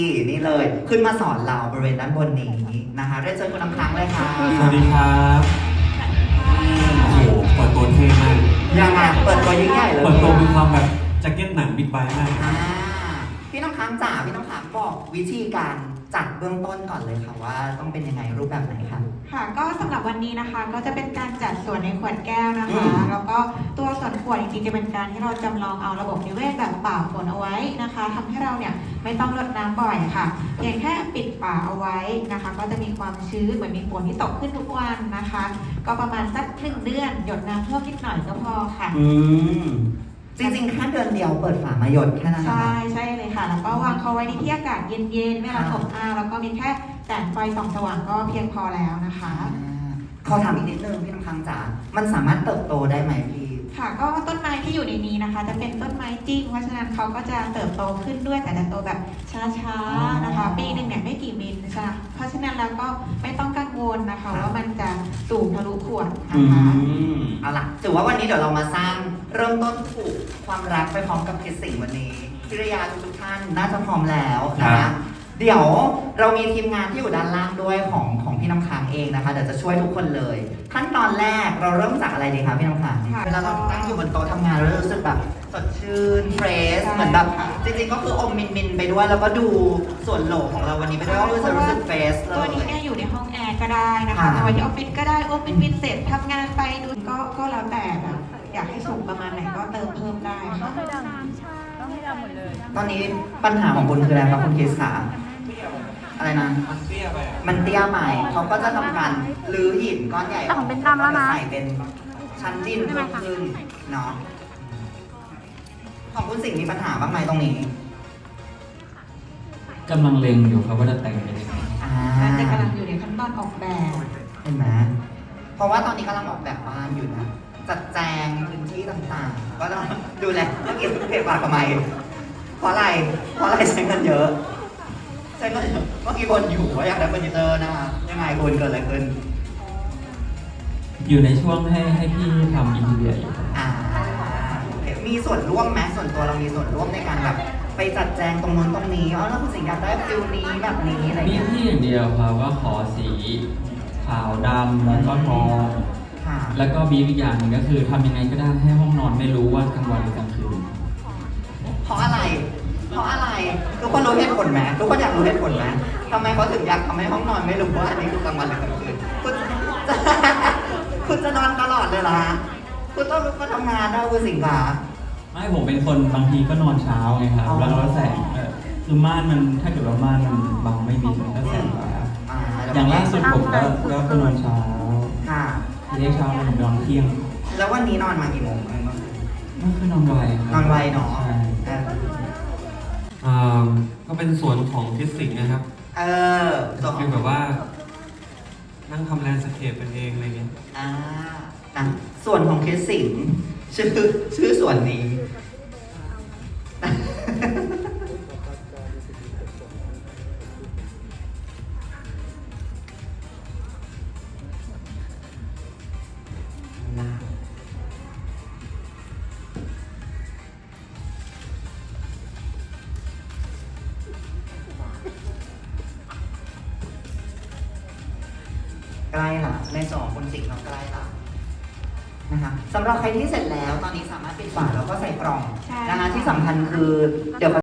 นี่เลยขึ้นมาสอนเราบริเวณด้านบนนี้นะคะเรียนเชิญคุณน้ำค้างเลยค่ะสวัสดีครับโอ้โหเปิดตัวเท่มากยังไงเปิดตัวยิ่งใหญ่เลยเปิดตัวมีความแบบแจ็คเก็ตหนังบิ๊กไบค์มากพี่น้ำค้างจ๋าพี่น้ำค้างบอกวิธีการจัดเบื้องต้นก่อนเลยค่ะว่าต้องเป็นยังไงรูปแบบไหนคะค่ะก็สำหรับวันนี้นะคะก็จะเป็นการจัดส่วนในขวดแก้วนะคะ แล้วก็ตัวส่วนขวดจริงๆจะเป็นการที่เราจำลองเอาระบบนิเวศแบบป่าฝนเอาไว้นะคะทำให้เราเนี่ยไม่ต้องรดน้ำบ่อยค่ะเพียงแค่ปิดฝาเอาไว้นะคะ ก็จะมีความชื้นเหมือนมีฝนที่ตกขึ้นทุกวันนะคะ ก็ประมาณสัก1 เดือนหยดน้ำเพิ่มนิดหน่อยก็พอค่ะจริงๆแค่เดือนเดียวเปิดฝามาหยดแค่นั้นนะใช่คะใช่เลยค่ะ แล้วก็วางเขาไว้ในที่อากาศเย็นๆไม่ร้อนอบอ้าวแล้วก็มีแค่แสงไฟส่องสว่างก็เพียงพอแล้วนะคะขอถามอีกนิดนึงพี่น้ำค้างจ๋ามันสามารถเติบโตได้ไหมพี่ค่ะก็ต้นไม้ที่อยู่ในนี้นะคะ จะเป็นต้นไม้จริงเพราะฉะนั้นเขาก็จะเติบโตขึ้นด้วยแต่จะโตแบบช้าๆนะคะ ปีหนึ่งเนี่ยไม่กี่มิลนะคะเพราะฉะนั้นแล้วก็ไม่ต้องกังวลนะคะว่ามันจะสูงทะลุขวดนะคะเอาล่ะถือว่าวันนี้เดี๋ยวเรามาสร้างเริ่มต้นผูกความรักไปพร้อมกับเพชรสิ่งวันนี้พิรยาทุกท่านน่าจะพร้อมแล้วนะครัคะบเดี๋ยวเรามีทีมงานที่อยู่ด้านล่างด้วยของพี่น้ำค้างเองนะคะเดี๋ยวจะช่วยทุกคนเลย ขั้นตอนแรกเราเริ่มจากอะไรดีคะพี่น้ำค้างค่ะเวลาเราตั้งอยู่บนโต๊ะทำงานเรารู้สึกแบบสดชื่นเฟรชใช่เหมือนแบบค่ะจริงๆก็คืออมมินๆไปด้วยแล้วก็ดูส่วนโหลของเราวันนี้ไปด้วยก็รู้สึกเฟรชเลตัวนี้ยเนี่ยอยู่ในห้องแอร์ก็ได้นะคะค่ะเอาไว้ที่ออฟฟิศก็ได้ออฟฟิศเสร็จทำงานไปดูก็แล้วแต่แบบอยากให้สูงประมาณไหนก็เติมเพิ่มได้ค่ะต้องให้ดำหมดเลยตอนนี้ปัญหาของคุณคืออะไรครับคุณคริสขาอะไรนะมันเตี้ยไปอ่ะมันเตี้ยใหม่เขาก็จะทำการรื้อหินก้อนใหญ่แต่ของเป็นดำแล้วนะใส่เป็นชั้นดินเพิ่มขึ้นเนาะของคุณสิ่งมีปัญหาบ้างไหมตรงนี้กำลังเล็งอยู่ครับว่าจะแต่งเป็นยังไงน่าจะกำลังอยู่ในขั้นตอนออกแบบเห็นไหมเพราะว่าตอนนี้กำลังออกแบบบ้านอยู่นะจัดแจงพื้นที่ต่างๆ ก็ต้องดูแลเมื่อกี้เพจปากทำไมเพราะอะไรใช้เงินเยอะใช้เงินเยอะเมื่อกี้บนอยู่ว่าอยากได้เฟอร์นิเจอร์นะคะยังไงคุณเกิดอะไรขึ้นอยู่ในช่วงให้พี่ทำอินทีเรียอยู่ครับโอเคมีส่วนร่วมไหมส่วนตัวเรามีส่วนร่วมในการแบบไปจัดแจงตรงนู้นตรงนี้อ๋อแล้วคุณสิงห์อยากได้ฟิลนี้แบบนี้อะไรมีเงี้ยพี่อย่างเดียวครับว่าขอสีขาวดำแล้วก็ทองค่ะแล้วก็บีบอีกอย่างหนึ่งก็คือทำยังไงก็ได้ให้ห้องนอนไม่รู้ว่ากลางวันหรือกลางคืนเพราะอะไรทุกคนรู้เหตุผลไหมทุกคนอยากรู้เหตุผลไหมทำไมเขาถึงอยากทำให้ห้องนอนไม่รู้ว่าอันนี้คือกลางวันหรือกลางคืนคุณจะนอนตลอดเลยเหรอฮะคุณต้องลุกมาทำงานนะคุณสิงห์คะไม่ผมเป็นคนบางทีก็นอนเช้าไงครับอ๋อแล้วแสงคือม่านมันถ้าเกิดว่าม่านมันบังไม่มิดมันก็แสงฟ้าอย่างล่าสุดผมก็นอนเช้าค่ะทีแรกเช้าผมนอนเที่ยงแล้ววันนี้นอนมากี่โมงเมื่อคืนเมื่อคืนนอนไวครับนอนไวเนาะใช่ ก็เป็นส่วนของทิศสิงห์นะครับส่วนขคือ อง แบบว่า นั่งทำแลนด์สเคปเป็นเองอะไรเงี้ยนะส่วนของคริสสิงห์ชื่อส่วนนี้ ใกล้ละในส่วนของคุณสิงห์เราใกล้ละนะคะสำหรับใครที่เสร็จแล้วตอนนี้สามารถปิดฝาแล้วก็ใส่กล่องใช่นะคะที่สำคัญคือเดี๋ยว